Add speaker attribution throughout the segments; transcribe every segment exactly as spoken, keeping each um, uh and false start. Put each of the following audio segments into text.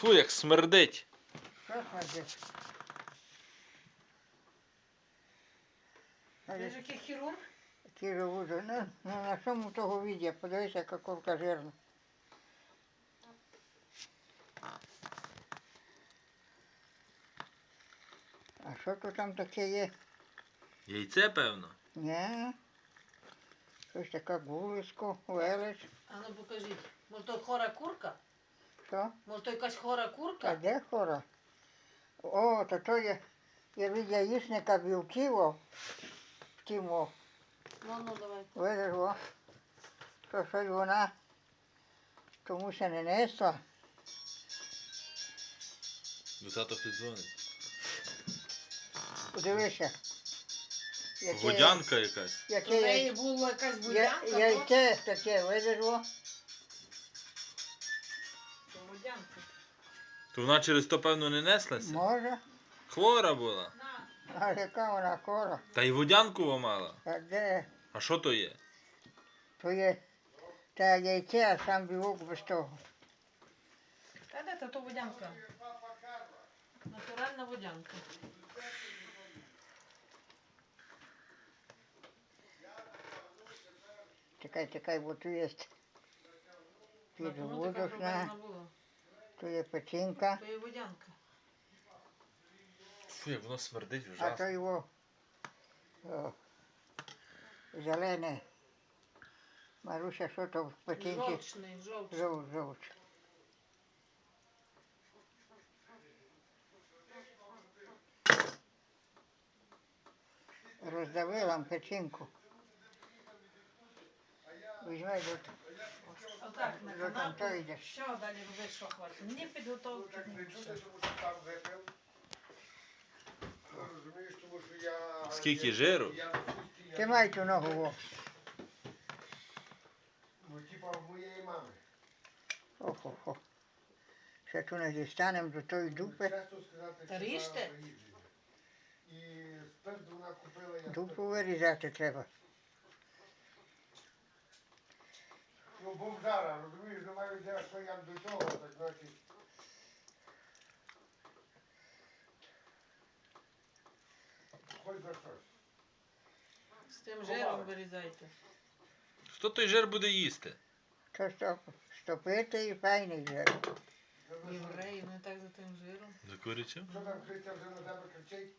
Speaker 1: Фу, як смердить.
Speaker 2: Що смердить?
Speaker 3: Ти ж який хірург?
Speaker 2: Ті живуть. Ну, ну на чому того відео? Подивися, яка курка жирна. А що то там таке є?
Speaker 1: Яйце, певно.
Speaker 2: Ні. Щось таке гулисько, велич.
Speaker 3: А ну покажіть. Може то хора курка?
Speaker 2: Що?
Speaker 3: Може то якась хора
Speaker 2: А
Speaker 3: курка?
Speaker 2: де хора? О, то то є, я від яєчника білків, о, в тім, о,
Speaker 3: Ну, ну, давай.
Speaker 2: видиш, о, то щось вона комусь не несла.
Speaker 1: До тато піддзвонить.
Speaker 2: Подивися. Яке-
Speaker 1: Водянка якась.
Speaker 3: То
Speaker 2: Яке
Speaker 3: в неї
Speaker 2: я-
Speaker 3: була якась
Speaker 2: я-
Speaker 3: будянка, то?
Speaker 2: яйце таке, видиш, о.
Speaker 3: То будянка.
Speaker 1: То вона через то, певно, не неслася?
Speaker 2: Може,
Speaker 1: Хвора була.
Speaker 3: На.
Speaker 2: а яка вона хора.
Speaker 1: Та й водянку мала.
Speaker 2: А де?
Speaker 1: А що то є?
Speaker 2: То є та яйце, а сам білок без того.
Speaker 3: Та де то, то водянка? Натуральна водянка.
Speaker 2: Чекай, чекай, бо тут є
Speaker 3: Ну, така
Speaker 2: підводочна,
Speaker 3: проблема була.
Speaker 2: тут є печінка,
Speaker 3: То є водянка.
Speaker 1: Фу, як воно смердить
Speaker 2: а
Speaker 1: ужасно.
Speaker 2: то його о, зелене. Маруся, що то в печінці?
Speaker 3: Жовчний, жовчний.
Speaker 2: Жовч, жовч. Роздавила печінку. Візьмай, бо
Speaker 3: Отак, на
Speaker 2: Вже там
Speaker 3: канапу.
Speaker 2: то йде.
Speaker 3: Що далі робити, що хочеш? Ні підготовки, ні нічого.
Speaker 4: Розумієш, тому що я...
Speaker 1: Скільки жиру?
Speaker 4: Я на пусті, я-
Speaker 2: тримай ту ногу, о.
Speaker 4: Ну, типа в моєї мами.
Speaker 2: Охо-хо. Ще ту не дістанемо до тої дупи.
Speaker 4: Чесно сказати,
Speaker 3: Та
Speaker 4: що
Speaker 3: ріжте.
Speaker 4: вона приїжджена. І спирт вона купила, я
Speaker 2: Дупу
Speaker 4: спирт.
Speaker 2: вирізати треба.
Speaker 4: Ну, бомжара, розумієш, немає ідея, що я до того, так значить. Хоч за щось.
Speaker 3: З тим жиром вирізайте.
Speaker 1: Хто той жир буде їсти?
Speaker 2: Що стоп, стопити і файний жир.
Speaker 4: Це за що?
Speaker 3: Євреї, не так за тим жиром.
Speaker 1: За курячим?
Speaker 4: Що там Христя вже на тебе кричить?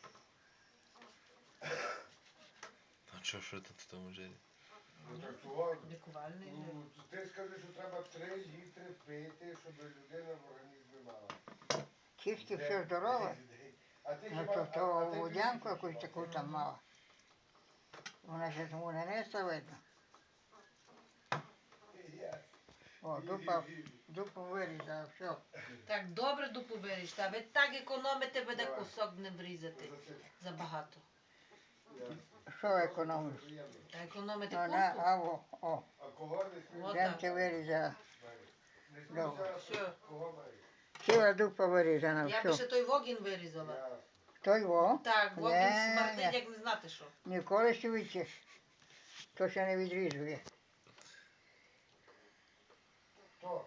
Speaker 1: А що, що тут в тому жирі?
Speaker 4: Ну так чого?
Speaker 3: Лікувальний жир.
Speaker 4: Ну, ти скажи, що треба три літри пити, щоб людина в організмі мала.
Speaker 2: Тільки
Speaker 4: Де-
Speaker 2: все здорове.
Speaker 4: де- де- А ти
Speaker 2: Ну
Speaker 4: хіба...
Speaker 2: то,
Speaker 4: а-
Speaker 2: то
Speaker 4: а ти
Speaker 2: водянку
Speaker 4: двічі
Speaker 2: якусь
Speaker 4: хіба?
Speaker 2: таку там мала. Вона ще тому не несла, видно.
Speaker 4: Я-
Speaker 2: О, дупа, дупу вирізала, все.
Speaker 3: Так добре дупу виріжте, а ви так економите, буде
Speaker 4: Давай.
Speaker 3: кусок не врізати.
Speaker 4: Засип.
Speaker 3: Забагато.
Speaker 4: Я-
Speaker 2: Що економиш?
Speaker 4: Приємно.
Speaker 3: А економите
Speaker 2: Вона,
Speaker 3: курку?
Speaker 2: а о, о,
Speaker 4: А кого не смієш?
Speaker 3: От
Speaker 2: жем
Speaker 3: так.
Speaker 2: ти вирізала.
Speaker 4: Не
Speaker 2: Добре.
Speaker 4: смійся,
Speaker 3: Що?
Speaker 4: кого маєш?
Speaker 2: Ціла дупа вирізана,
Speaker 3: Я би
Speaker 2: все.
Speaker 3: ще той вогін вирізала.
Speaker 4: Я...
Speaker 2: Той во,
Speaker 3: Так, вогін
Speaker 2: Ні,
Speaker 3: смердить,
Speaker 2: ні.
Speaker 3: як не знати що.
Speaker 2: ніколи швидше. То ще не відрізує.
Speaker 4: Хто?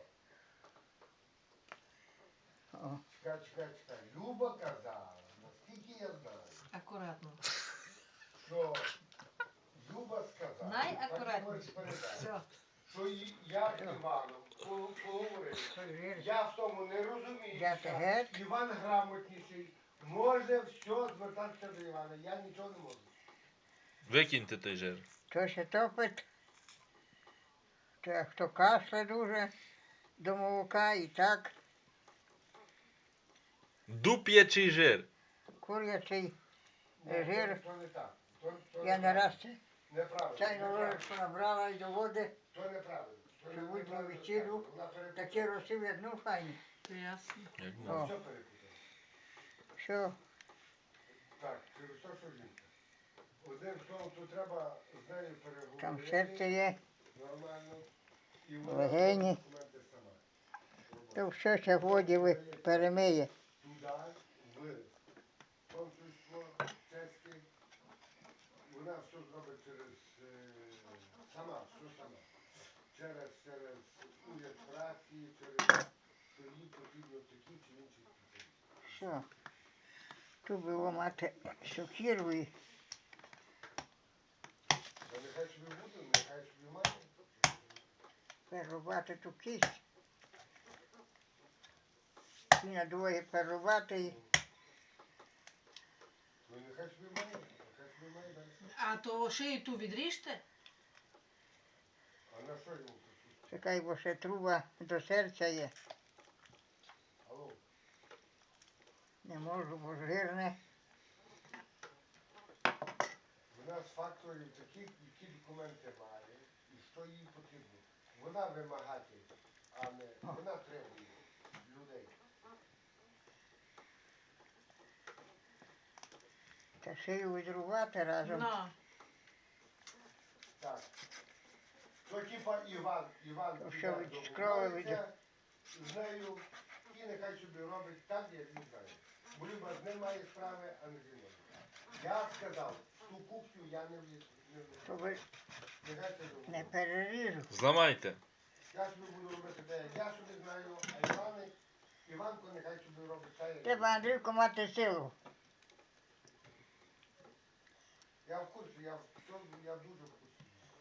Speaker 2: О,
Speaker 4: Чекай, чекай, чекай. Люба казала, наскільки я знаю,
Speaker 3: Акуратно.
Speaker 4: що Люба сказала,
Speaker 3: Найакуратніше.
Speaker 4: а ти можеш передати,
Speaker 3: Все.
Speaker 4: що і- я з Іваном по- поговорив.
Speaker 2: той жир.
Speaker 4: Я в тому не розумію.
Speaker 2: Взяти геть.
Speaker 4: Іван грамотніший. Може все звертатися до Івана. Я нічого не можу.
Speaker 1: Викиньте той жир.
Speaker 2: То ще топить. То хто кашля дуже до молока і так.
Speaker 1: Дуп'ячий жир.
Speaker 2: Курячий
Speaker 4: Ні,
Speaker 2: жир.
Speaker 4: То не так. То, то
Speaker 2: Я не раз це
Speaker 4: Неправильно.
Speaker 2: чайну
Speaker 4: неправильно.
Speaker 2: ложечку набрала і до води.
Speaker 4: То неправильно. То
Speaker 2: Що будь
Speaker 4: неправильно
Speaker 2: на вечерю,
Speaker 4: сказано. Вона перепутала.
Speaker 2: Такі росив, як ну файні.
Speaker 3: Ясно.
Speaker 1: Як
Speaker 2: О.
Speaker 1: ну.
Speaker 4: Все перепутала.
Speaker 2: Що?
Speaker 4: Так, через те, що жінка. Одним словом, тут треба з нею переговорити.
Speaker 2: Там серце є,
Speaker 4: Нормально. І вона
Speaker 2: легені.
Speaker 4: документи сама.
Speaker 2: То все ще в воді ви перемиє.
Speaker 4: Туди, в консульство чеське. Вона все зробить через е, сама, все сама. Через, через уряд праці, через їй потрібно такі чи інші спеціалісти.
Speaker 2: Все. Тут було мати сокиру і
Speaker 4: Та нехай собі буде, нехай собі має.
Speaker 2: перерубати ту кість. І на двоє перерубати і
Speaker 4: Ну нехай собі має, нехай собі має далі.
Speaker 3: А то шию ту відріжте?
Speaker 4: А на що йому тут?
Speaker 2: чекай, бо ще труба до серця є.
Speaker 4: Алло,
Speaker 2: Не можу, бо жирне.
Speaker 4: вона з факторів такі, які документи має і що їй потрібно. Вона вимагатель, а не вона требує людей.
Speaker 2: Та шию відрубати разом.
Speaker 3: Ну.
Speaker 4: Так. То типа Іван, Іван
Speaker 2: То
Speaker 4: піде
Speaker 2: що від
Speaker 4: до
Speaker 2: школи
Speaker 4: Бухгалця з нею і нехай собі робить так, як він знає. Бо Люба з ним має справи, а не зі мною. Я сказав, ту кухню я не влізу. Не влізу.
Speaker 2: Щоб
Speaker 4: Нехай це
Speaker 2: не
Speaker 4: робить.
Speaker 2: переріжу.
Speaker 1: Зламайте.
Speaker 4: Я собі буду робити те, як я собі знаю, а Іваник, Іванко нехай собі робить те, як
Speaker 2: Треба, Андрійко, мати силу.
Speaker 4: я в курсі, я, в цьому- я дуже в курсі.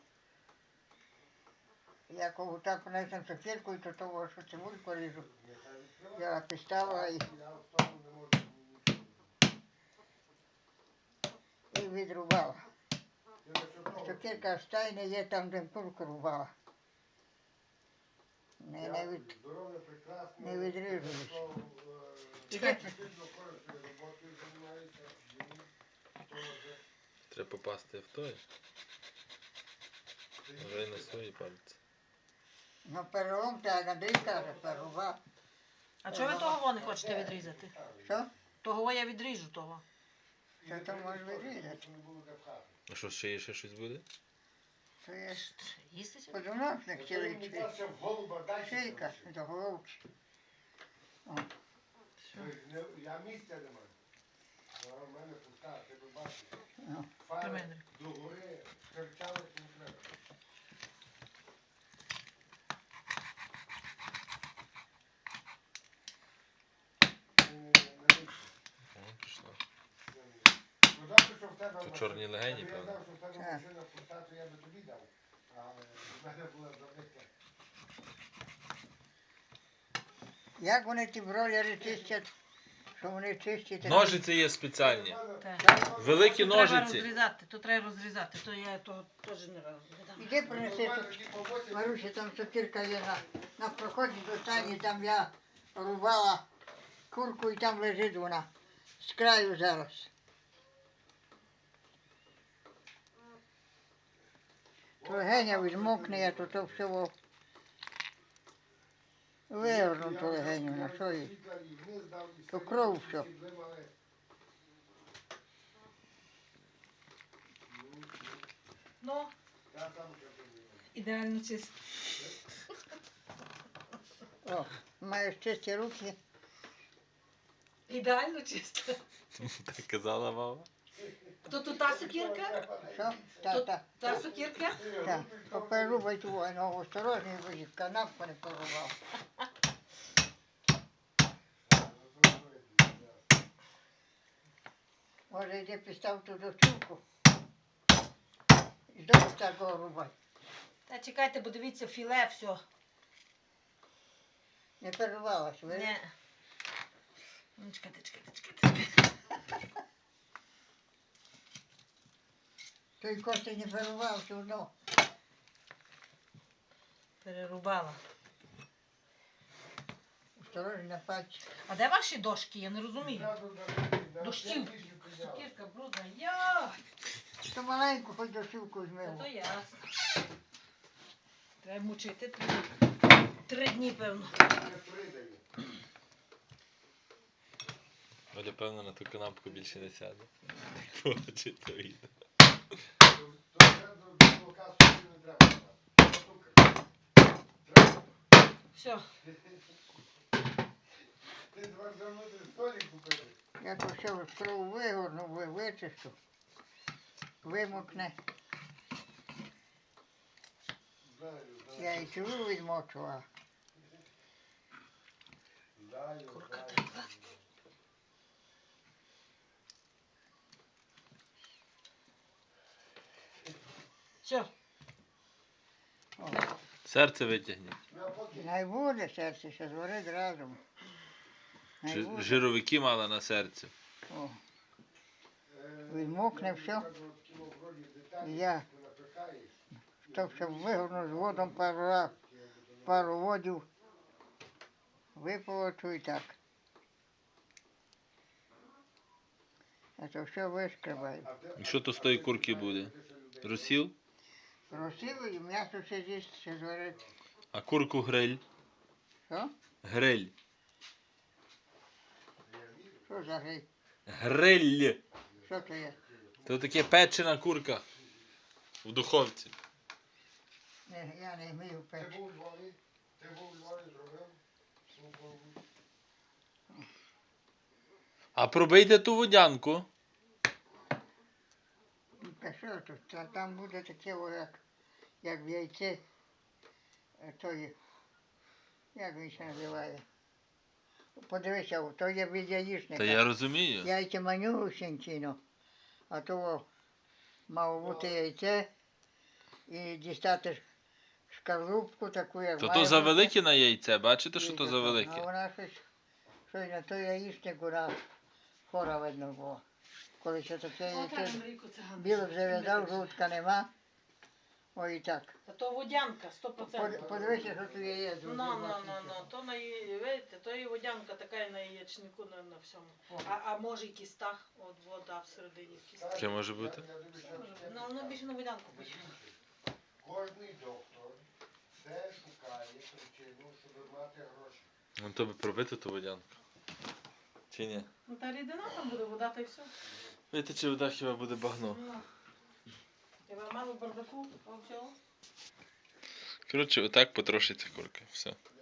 Speaker 2: Я коли так принесем сокирку, то того, що цибульку ріжу.
Speaker 4: Нехай відкриває.
Speaker 2: Я підставила і,
Speaker 4: Я в тому не можу нічого.
Speaker 2: і відрубала.
Speaker 4: Я за що того?
Speaker 2: Сокирка в стайні є там, де курку рубала. Не, не від...
Speaker 4: Здоров'я прекрасне.
Speaker 2: не відрізались.
Speaker 4: що, е,
Speaker 3: Чекай.
Speaker 4: Сильно корисною роботою займається. Він теж.
Speaker 1: Треба попасти в той. Вже й на свої пальці.
Speaker 2: Ну, перелом, так, Андрій каже, перерубав.
Speaker 3: А чого ви того не хочете відрізати?
Speaker 2: Що?
Speaker 3: Того я відріжу того.
Speaker 2: Це то може відрізати.
Speaker 4: Не було де пхати.
Speaker 1: А що, ще є ще щось буде?
Speaker 2: Це є ж
Speaker 3: Їсти сьогодні?
Speaker 2: подоносник
Speaker 4: Оце мені
Speaker 2: чоловічий.
Speaker 4: краще в голуба дальше
Speaker 2: Шийка
Speaker 4: залишити.
Speaker 2: до головки. О,
Speaker 4: Ой, не- Я місця не маю. А в мене пуста, ти би бачиш.
Speaker 2: ну.
Speaker 3: При
Speaker 4: Фари
Speaker 3: мене.
Speaker 4: до гори кричали, не треба. Ні-ні-ні,
Speaker 1: О, пішло.
Speaker 4: Ну, добре, що в тебе
Speaker 1: То
Speaker 4: машина.
Speaker 1: чорні легені,
Speaker 4: Якби
Speaker 1: певно.
Speaker 4: Я знав, що в тебе
Speaker 2: Так.
Speaker 4: машина пуста, то я би тобі дав. Але в мене була забита.
Speaker 2: Як вони ті бройлери чистять, що вони чистять?
Speaker 1: Ножиці є спеціальні.
Speaker 3: Так.
Speaker 1: Великі
Speaker 3: Тут треба
Speaker 1: ножиці.
Speaker 3: розрізати, то треба розрізати, то я то теж не розрізаю.
Speaker 2: Іди принеси тут. Маруся, там сокирка є на, на проході до стані, там я рубала курку і там лежить вона. З краю зараз. То легеня відмокне, я то то всього вигорну ту легеню, на що їй? То кров все.
Speaker 3: Ну, ідеально чисто.
Speaker 2: О, маєш чисті руки.
Speaker 3: Ідеально чисто.
Speaker 1: Так казала мама.
Speaker 3: То тут та сокірка?
Speaker 2: Що? Та,
Speaker 3: Тут
Speaker 2: та,
Speaker 3: та сокірка?
Speaker 2: та. Поперерубай ту, ну, осторожно, бо їх канапку не порубав. Може, йди підстав ту дочурку. І знову такого рубай.
Speaker 3: Та чекайте, бо дивіться, філе все.
Speaker 2: Не перервалась, ви?
Speaker 3: Не. Ну, чекайте, чекайте, чекайте, чекайте.
Speaker 2: Той костей не перервав, все одно.
Speaker 3: Перерубала.
Speaker 2: Осторожно на пальці.
Speaker 3: А де ваші дошки? Я не розумію. Дощів. Сокірка брудна. Я.
Speaker 2: То маленьку хоч дочурку
Speaker 3: Та
Speaker 2: змило.
Speaker 3: то ясно. Треба мучити три, три дні, певно.
Speaker 1: Оля, певно, на ту канапку більше не сяде. Побачить то відео.
Speaker 3: Все.
Speaker 4: Ти два замити столик купили.
Speaker 2: Я то все кров вигорну, ви- вичищу. Вимокне.
Speaker 4: Знаю,
Speaker 2: Я
Speaker 4: знаю.
Speaker 2: і цілу відмочу, а
Speaker 4: знаю,
Speaker 3: Курка
Speaker 4: знаю.
Speaker 3: така. Все.
Speaker 2: О,
Speaker 1: Серце витягніть.
Speaker 4: Ну, а поки
Speaker 2: най буде серце, ще згорить разом. Най
Speaker 1: Жи-
Speaker 2: буде.
Speaker 1: Жировики мала на серці.
Speaker 2: О,
Speaker 4: е,
Speaker 2: Відмокне
Speaker 4: я
Speaker 2: все.
Speaker 4: кажу, от кіно вроді деталі,
Speaker 2: І я
Speaker 4: ти напихаєш,
Speaker 2: то все вигорну з водом пару раз, пару водів. Виполочу і так. А то все вишкребаю.
Speaker 4: а ти-
Speaker 1: І що то з тої курки буде? Розсіл?
Speaker 2: Розсілу і м'ясо ще з'їсть, ще зварить.
Speaker 1: А курку гриль?
Speaker 2: Що?
Speaker 1: Гриль.
Speaker 2: Що за гриль?
Speaker 1: Гриль.
Speaker 2: Що це є?
Speaker 1: То таке печена курка. В духовці.
Speaker 2: Не, я не вмію
Speaker 4: Ти
Speaker 2: печі.
Speaker 4: був у Львові? Ти був у Львові, зробив? Ну, по-
Speaker 1: А пробийте ту водянку.
Speaker 2: Та що тут? Та там буде таке, о, як, як в яйце. е, Тої, як він ще називає? Подивися, о, то є від яєчника.
Speaker 1: Та я розумію.
Speaker 2: Яйця манюсінькіно. А то о, мало бути яйце і дістати шкарлупку таку, як
Speaker 1: То
Speaker 2: має
Speaker 1: то за
Speaker 2: бути.
Speaker 1: велике на яйце, бачите, що
Speaker 2: І
Speaker 1: то за
Speaker 2: таке. А
Speaker 1: велике?
Speaker 2: вона щось, щось на той яєчник, вона хора видно було. Коли ще таке яйце, біло зав'язав, жовтка нема. Ой, і так.
Speaker 3: Та то водянка, сто
Speaker 2: Под-
Speaker 3: процентів.
Speaker 2: Подивися, що тут є.
Speaker 3: Ну, ну, ну, ну, то на яє- видите, то і водянка така і на яєчнику, на, на всьому. А, а може і кістах, от вода всередині в кістах.
Speaker 1: Таке може бути.
Speaker 4: Я- я дивлюся,
Speaker 3: Може бути.
Speaker 4: я-
Speaker 3: Ну, воно більше на водянку подібне.
Speaker 4: Кожний доктор все шукає причину, щоб мати гроші.
Speaker 1: Ну то би пробити ту водянку. Чи ні?
Speaker 3: Ну, та рідина там буде, вода та й все.
Speaker 1: Видите, чи вода хіба буде багно.
Speaker 3: Ну. Тебе мало бардаку, а всього.
Speaker 1: Коротше, отак потрошиться курка. Все.